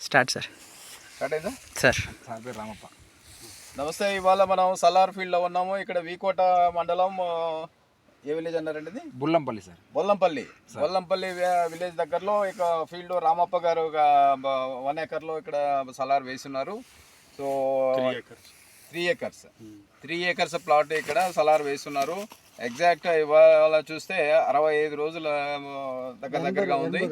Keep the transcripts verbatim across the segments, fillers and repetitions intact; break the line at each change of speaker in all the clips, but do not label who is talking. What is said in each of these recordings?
Start sir.
Start అయిందా
sir?
నా పేరు రామప్ప. నమస్తే. ఇవాళ మనం సలార్ ఫీల్డ్లో ఉన్నాము. ఇక్కడ వీకోట మండలం ఏ విలేజ్ అన్నారండి ఇది?
బుల్లంపల్లి సార్.
బొల్లంపల్లి. బొల్లంపల్లి విలేజ్ దగ్గరలో ఇక ఫీల్డ్ రామప్ప గారు వన్ ఏకర్లో ఇక్కడ సలార్ వేస్తున్నారు. So three acres three acres plot ఇక్కడ సలార్ వేస్తున్నారు. ఎగ్జాక్ట్ ఇవాళ చూస్తే అరవై ఐదు రోజుల దగ్గర దగ్గరగా ఉంది.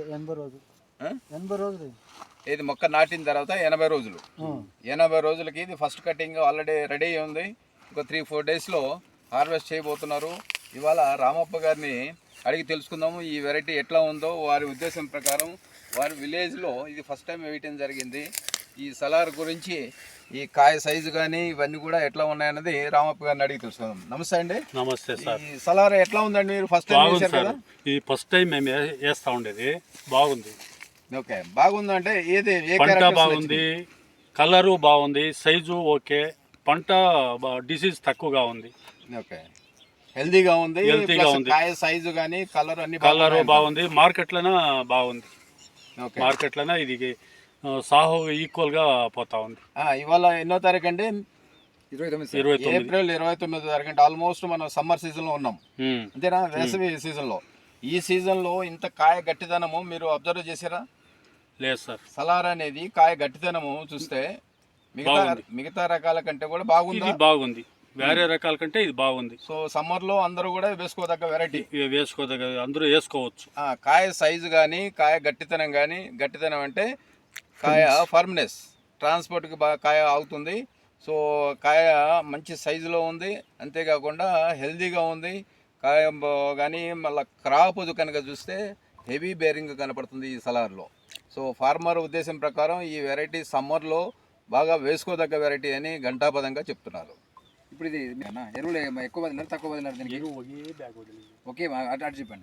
ఇది మొక్క నాటిన తర్వాత ఎనభై రోజులు ఎనభై రోజులకి ఇది ఫస్ట్ కటింగ్ ఆల్రెడీ రెడీ ఉంది. ఒక త్రీ ఫోర్ డేస్లో హార్వెస్ట్ చేయబోతున్నారు. ఇవాళ రామప్ప గారిని అడిగి తెలుసుకుందాము ఈ వెరైటీ ఎట్లా ఉందో. వారి ఉద్దేశం ప్రకారం వారి విలేజ్లో ఇది ఫస్ట్ టైం వేయటం జరిగింది. ఈ సలార్ గురించి ఈ కాయ సైజు కానీ ఇవన్నీ కూడా ఎట్లా ఉన్నాయన్నది రామప్ప గారిని అడిగి తెలుసుకుందాం. నమస్తే అండి.
నమస్తే సార్.
ఈ సలార్ ఎట్లా ఉందండి? మీరు ఫస్ట్ టైం వేసారు కదా?
ఇది ఫస్ట్ టైం మేము వేస్తా ఉండేది. బాగుంది.
ఓకే, బాగుందంటే ఏది?
పంట బాగుంది, కలరు బాగుంది, సైజు ఓకే, పంట డిసీజ్ తక్కువగా ఉంది.
ఓకే, హెల్దీగా ఉంది.
హెల్తీగా ఉంది.
కాయ సైజు కానీ కలర్ అన్ని
కలరు బాగుంది. మార్కెట్లోనే బాగుంది.
ఓకే,
మార్కెట్లోనే ఇది సాహో ఈక్వల్ గా పోతా ఉంది.
ఇవాళ ఎన్నో తారీఖు అండి?
ఇరవై తొమ్మిది
ఇరవై తొమ్మిది
ఏప్రిల్ ఇరవై తొమ్మిది తారీఖు అంటే ఆల్మోస్ట్ మనం సమ్మర్ సీజన్ లో ఉన్నాం అంతేనా? వేసవి సీజన్ లో. ఈ సీజన్ లో ఇంత కాయ గట్టిదనము మీరు అబ్జర్వ్ చేసారా?
లేదు సార్.
సలార్ అనేది కాయ గట్టిదనము చూస్తే మిగతా మిగతా రకాల కంటే కూడా బాగుంది.
ఇది బాగుంది. వేరే రకాల కంటే ఇది బాగుంది.
సో సమ్మర్ లో అందరూ కూడా వేసుకోదగ్గ వెరైటీ.
వేసుకోదగ్గ అందరూ వేసుకోవచ్చు.
కాయ సైజు కానీ కాయ గట్టితనం కానీ, గట్టితనం అంటే కాయ ఫర్మ్నెస్, ట్రాన్స్పోర్ట్కి బాగా కాయ అవుతుంది. సో కాయ మంచి సైజులో ఉంది. అంతేకాకుండా హెల్దీగా ఉంది కాయ కానీ. మళ్ళీ క్రాప్ కనుక చూస్తే హెవీ బేరింగ్ కనపడుతుంది ఈ సలార్లో. సో ఫార్మర్ ఉద్దేశం ప్రకారం ఈ వెరైటీ సమ్మర్లో బాగా వేసుకోదగ్గ వెరైటీ అని ఘంటాపదంగా చెప్తున్నారు.
ఇప్పుడు ఇది ఎరువులు ఎక్కువ వదిలినారు తక్కువ వదిలినారు? దీనికి ఎరువు ఒకే బ్యాగ్ వదిలింది. ఓకే, అటు అటు చెప్పండి.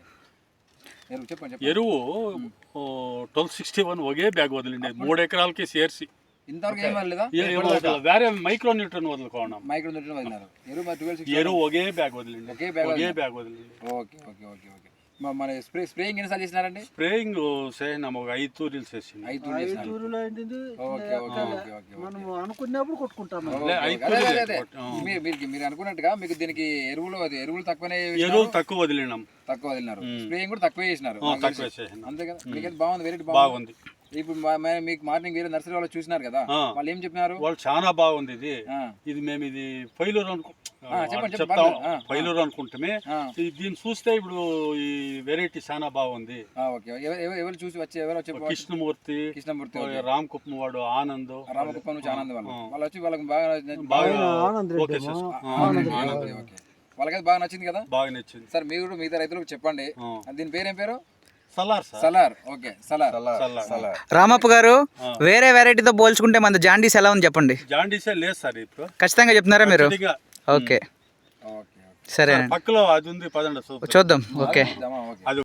ఎరువు చెప్పండి.
ఎరువు ట్వెల్వ్ సిక్స్టీ వన్ ఒకే బ్యాగ్ వదిలింది. మూడు ఎకరాలకి సేర్సి
ఇంతవరకు ఏం వదలలేదా?
వేరే మైక్రో న్యూట్రన్ వదులుకోవడం.
మైక్రో న్యూట్రన్ వదిలినారు. ఎరువు
ఎరువు ఒకే బ్యాగ్ వదిలింది.
ఒకే బ్యాగ్
ఒకే బ్యాగ్ వదిలింది.
ఓకే ఓకే ఓకే ఓకే మన స్ప్రే స్ప్రేయింగ్ ఎన్నిసార్లు చేసినారండి?
స్ప్రేయింగ్ చేసినాము, ఒక ఐదు తూరీలు చేసింది.
ఐదు తూరీలు
మనం అనుకున్నప్పుడు కొట్టుకుంటాం.
మీరు మీరు అనుకున్నట్టుగా మీకు దీనికి ఎరువులు ఎరువులు తక్కువనే
ఎరువులు తక్కువ వదిలినాం.
తక్కువ వదిలినారు. స్ప్రేయింగ్ కూడా తక్కువ చేసినారు.
తక్కువ చేసినాం.
అంతే కదా? మీకైతే బాగుంది, వెరైటీ
బాగుంది.
ఇప్పుడు మీకు మార్నింగ్ వేరే నర్సరీ వాళ్ళు చూసినారు కదా, వాళ్ళు ఏం చెప్పినారు?
వాళ్ళు చాలా బాగుంది. ఇది ఇది మేము ఇది ఫైలూర్ అనుకు చెప్తాం ఫైలూర్ అనుకుంటామే. దీన్ని చూస్తే ఇప్పుడు ఈ వెరైటీ చాలా బాగుంది.
ఎవరు చూసి వచ్చి ఎవరు వచ్చి?
కృష్ణమూర్తి
కృష్ణమూర్తి
రామ్ కుప్పం వాడు ఆనంద్
రామకుప్పం నుంచి ఆనంద్ వాళ్ళు వాళ్ళు వచ్చి వాళ్ళకి బాగా వాళ్ళకైతే బాగా నచ్చింది కదా?
బాగా నచ్చింది
సార్. మీరు కూడా మిగతా రైతులకు చెప్పండి. దీని పేరేం పేరు?
సలార్.
సలార్. ఓకే, సలార్.
రామప్ప గారు, వేరే వెరైటీతో పోల్చుకుంటే మన జాండీస్ ఎలా ఉంది చెప్పండి.
జాండీసే లేదు సార్ ఇప్పుడు.
ఖచ్చితంగా చెప్తున్నారా మీరు? ఓకే, సరే.
పక్కలో అది ఉంది, పదండి
చూద్దాం. ఓకే,
అది